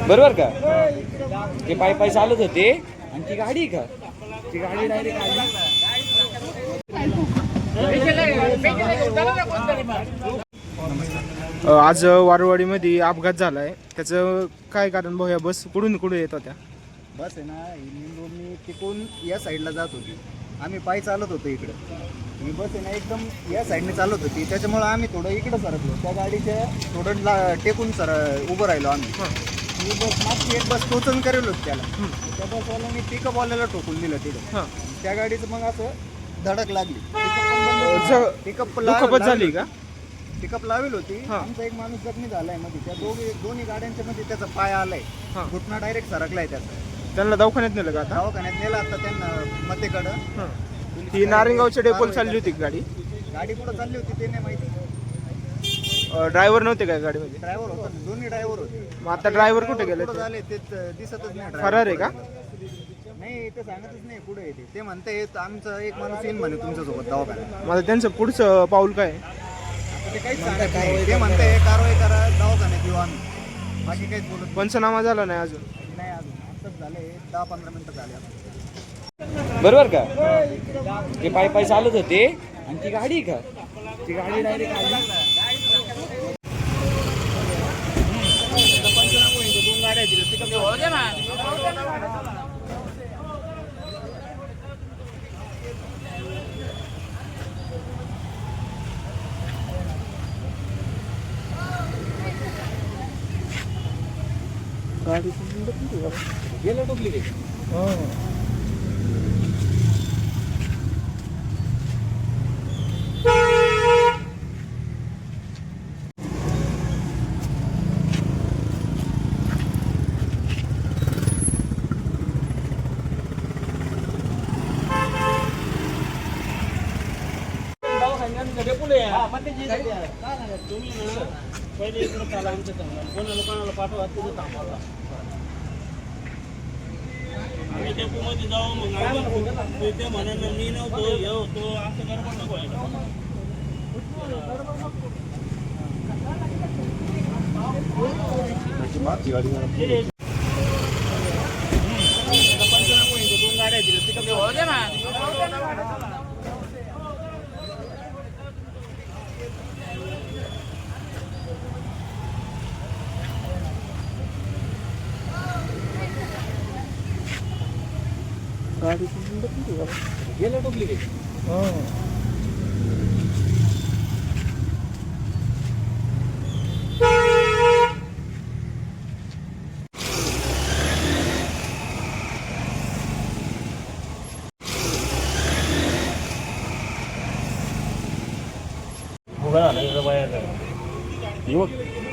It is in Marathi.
बरोबर का? ते पाय पाय चालत होते आणि ती गाडी का ती गाडी डायरेक्ट आली. आज वारवाडीमध्ये अपघात झालाय, त्याचं काय कारण भाऊ? या बस कुठून कुठे येत होत्या? बस आहे ना, इंदोरनी तिकून या साईडला जात होती. आम्ही पायी चालत होतो इकडं. ही बस आहे ना एकदम या साईडने चालत होती, त्याच्यामुळं आम्ही थोडं इकडं सरकलो. त्या गाडीच्या थोडं टेकून उभं राहिलो आम्ही. ही बस मागची एक बस टोचन करेल होती त्याला. त्या बसवाल्याने पिकअपवाल्याला ठोकून दिलं तिथं. त्या गाडीचं मग असं धडक लागली. पिकअप दुखापत झाली का? पिकअप लावेल होती. आमचा एक माणूस जखमी झालाय मध्ये. त्या दोन्ही गाड्यांच्या मध्ये त्याचा पाय आलाय, घुटणा डायरेक्ट सरकलाय त्याचा. त्यांना दवाखान्यात नेलं का? आता दवाखान्यात नेला आता त्यांना मतेकडं. ही नारिंगावच्या डेपोला चालली होती गाडी. गाडी कुठं चालली होती ते नाही माहिती. ड्रायव्हर नव्हते का गाडीमध्ये? ड्रायव्हर होता, दोन्ही ड्रायव्हर होते. मग आता ड्रायव्हर कुठे गेले? कुठं झाले ते दिसतच नाही. फरार आहे का? नाही, ते सांगतच नाही कुठे येते. ते म्हणते आमचा एक माणूस येईल म्हणे तुमच्यासोबत दवाखान्यात. माझं त्यांचं पुढचं पाऊल काय? ते काहीच सांगत नाही. ते म्हणते कारवाई करा, दवाखान्यात येऊ आम्ही. बाकी काहीच बोलत नाही. पंचनामा झाला नाही अजून? नाही अजून. आत्ताच झाले 10-15 मिनिटं झाले आता. बरोबर का? ते पाय पाय चालत होते आणि ती गाडी का ती गाडी डायरेक्ट आली. गेलं डुप्लिकेट. पहिले इकडे चाला आमच्या चांगला कोणा लोकांना पाठवा तिथे थांबवला. आम्ही टेम्पोमध्ये जाऊ मग आम्ही ते म्हणाल मी नव्हतो हे होतो असं गडबड नको व्हायला. दोन गाड्या दिल्या तिकडे हो दे ना. गेलं डुप्लिकेट. उभा झाला बाहेर